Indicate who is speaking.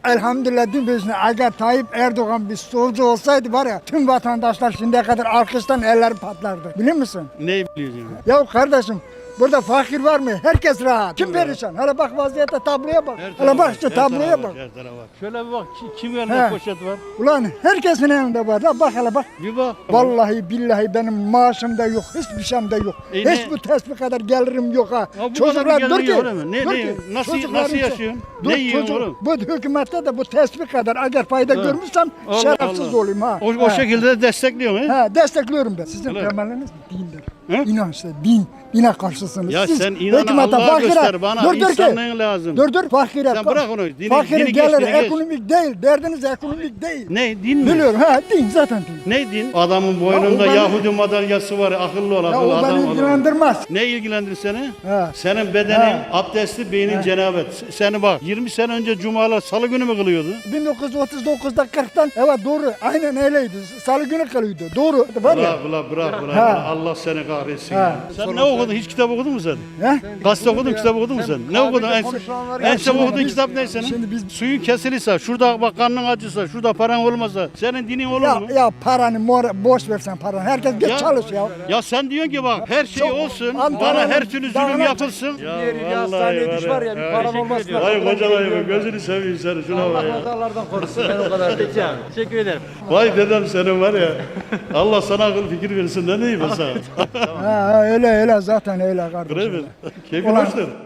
Speaker 1: elhamdülillah dün bizim eğer Tayyip Erdoğan bir solcu olsaydı var ya tüm vatandaşlar şimdiye kadar alkıştan elleri patlardı. Biliyor musun?
Speaker 2: Ne biliyorsun?
Speaker 1: Ya kardeşim burada fakir var mı? Herkes rahat. Kim perişan? Hele bak vaziyete tabloya bak. Hele bak işte tabloya bak.
Speaker 2: Her tarafa bak. Şöyle bir bak kim
Speaker 1: He.
Speaker 2: elinde poşet var?
Speaker 1: Ulan herkesin elinde var. La bak hele bak.
Speaker 2: Bir bak.
Speaker 1: Vallahi billahi benim maaşım da yok. Hiçbir şeyim de yok.
Speaker 2: E
Speaker 1: Hiç
Speaker 2: ne?
Speaker 1: bu tespih kadar gelirim yok ha.
Speaker 2: Ya bu
Speaker 1: Çocuklar
Speaker 2: kadar
Speaker 1: dur
Speaker 2: bir
Speaker 1: ki.
Speaker 2: gelirin yok, öyle mi?
Speaker 1: dur
Speaker 2: Ne-
Speaker 1: ki,
Speaker 2: nasıl
Speaker 1: çocukların-
Speaker 2: yaşıyorsun?
Speaker 1: Dur,
Speaker 2: Ne yiyorsun
Speaker 1: çocuk-
Speaker 2: oğlum?
Speaker 1: Bu hükümette de bu tespih kadar eğer fayda görmüşsem
Speaker 2: Allah
Speaker 1: şerefsiz
Speaker 2: Allah.
Speaker 1: olayım ha.
Speaker 2: O şekilde de destekliyorsun he?
Speaker 1: Ha, destekliyorum ben. Sizin
Speaker 2: Öyle.
Speaker 1: temeliniz dindir.
Speaker 2: He?
Speaker 1: İnançta din. Dine karşısınız.
Speaker 2: Ya
Speaker 1: Siz
Speaker 2: sen inanı
Speaker 1: hükümete,
Speaker 2: Allah'a
Speaker 1: fakire-
Speaker 2: göster bana.
Speaker 1: Dur, dur ki.
Speaker 2: İnsanlığın lazım.
Speaker 1: Dur fakire.
Speaker 2: Sen bırak onu. Dini
Speaker 1: Fakire
Speaker 2: geç,
Speaker 1: gelir
Speaker 2: dini geç.
Speaker 1: ekonomik değil. Derdiniz ekonomik değil.
Speaker 2: Ne din mi?
Speaker 1: Biliyorum ha din zaten din.
Speaker 2: Ne din? Adamın boynunda
Speaker 1: Ya o beni-
Speaker 2: Yahudi madalyası var. Akıllı ol,
Speaker 1: Ya
Speaker 2: akıllı
Speaker 1: o
Speaker 2: adam
Speaker 1: beni
Speaker 2: ol.
Speaker 1: ilgilendirmez.
Speaker 2: Ne ilgilendirir seni?
Speaker 1: Ha.
Speaker 2: Senin bedenin
Speaker 1: Ha.
Speaker 2: abdestli, beynin cenabet. Seni bak 20 sene önce cumalar salı günü mü kılıyordu?
Speaker 1: 1939'da 40'tan evet doğru aynen öyleydi. Salı günü kalıyordu. Doğru. Var ya.
Speaker 2: Bırak.
Speaker 1: Ha.
Speaker 2: Allah seni kahretsin.
Speaker 1: Ha.
Speaker 2: ya. Sen ne okudun? Hiç kitap okudun mu sen?
Speaker 1: He?
Speaker 2: Gazete okudun, kitap okudun mu sen? Ne okudun? En çok okuduğun kitap ne senin?
Speaker 1: Şimdi biz-
Speaker 2: Suyun kesilirse, şurada bak karnın acısa, şurada paran olmasa, senin dinin olur mu?
Speaker 1: Ya paranı boş versen paranı. Herkes git
Speaker 2: Ya-
Speaker 1: çalış ya.
Speaker 2: Ya sen diyorsun ki bak her şey
Speaker 1: Çok-
Speaker 2: olsun,
Speaker 1: Antalya'nın
Speaker 2: bana her türlü zulüm
Speaker 1: dağına-
Speaker 2: yapılsın. Ya
Speaker 3: Bir hastaneye düş var ya bir paran olmaz mı?
Speaker 2: Vay koca vay gözünü seveyim seni şuna bak ya.
Speaker 3: Kazalardan korusun ben o kadar diyeceğim. Teşekkür ederim.
Speaker 2: Vay dedem senin var ya. Allah sana akıl fikir versin ne diyeyim ben sana.
Speaker 1: Ha, öyle zaten öyle kardeşim.
Speaker 2: Değil mi? Keyfin
Speaker 1: Ulan-
Speaker 2: hoştur.